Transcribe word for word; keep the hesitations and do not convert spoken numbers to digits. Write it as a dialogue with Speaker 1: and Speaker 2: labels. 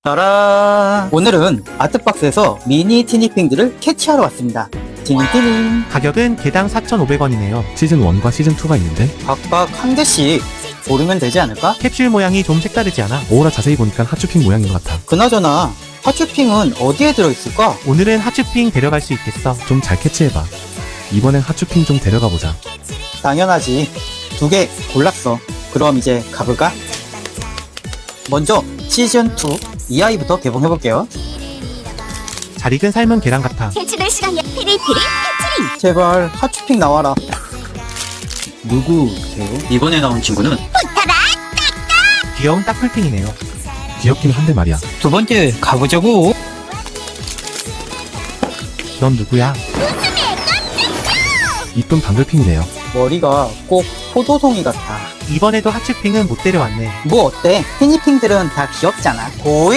Speaker 1: 따란! 오늘은 아트박스에서 미니 티니핑들을 캐치하러 왔습니다. 티니티니
Speaker 2: 가격은 개당 사천오백 원이네요.
Speaker 3: 시즌 일과 시즌 이가 있는데
Speaker 1: 각각 한 개씩 고르면 되지 않을까?
Speaker 2: 캡슐 모양이 좀 색다르지 않아?
Speaker 3: 오호라 자세히 보니까 핫쇼핑 모양인 것 같아.
Speaker 1: 그나저나 핫쇼핑은 어디에 들어있을까?
Speaker 2: 오늘은 핫쇼핑 데려갈 수 있겠어.
Speaker 3: 좀 잘 캐치해봐. 이번엔 핫쇼핑 좀 데려가 보자.
Speaker 1: 당연하지. 두 개 골랐어. 그럼 이제 가볼까? 먼저 시즌 이 이 아이부터 개봉해볼게요.
Speaker 2: 잘 익은 삶은 계란 같아.
Speaker 4: 캐치될 시간이야. 피리피리 캐치링.
Speaker 1: 제발 핫쇼핑 나와라. 누구세요? 이번에 나온 친구는
Speaker 2: 귀여운 딱풀핑이네요.
Speaker 3: 귀엽긴 한데 말이야.
Speaker 1: 두 번째 가보자고.
Speaker 2: 넌 누구야?
Speaker 3: 이쁜 방글핑이네요.
Speaker 1: 머리가 꼭 포도송이 같아.
Speaker 2: 이번에도 핫쇼핑은 못 데려왔네.
Speaker 1: 뭐 어때? 티니핑들은 다 귀엽잖아. 고이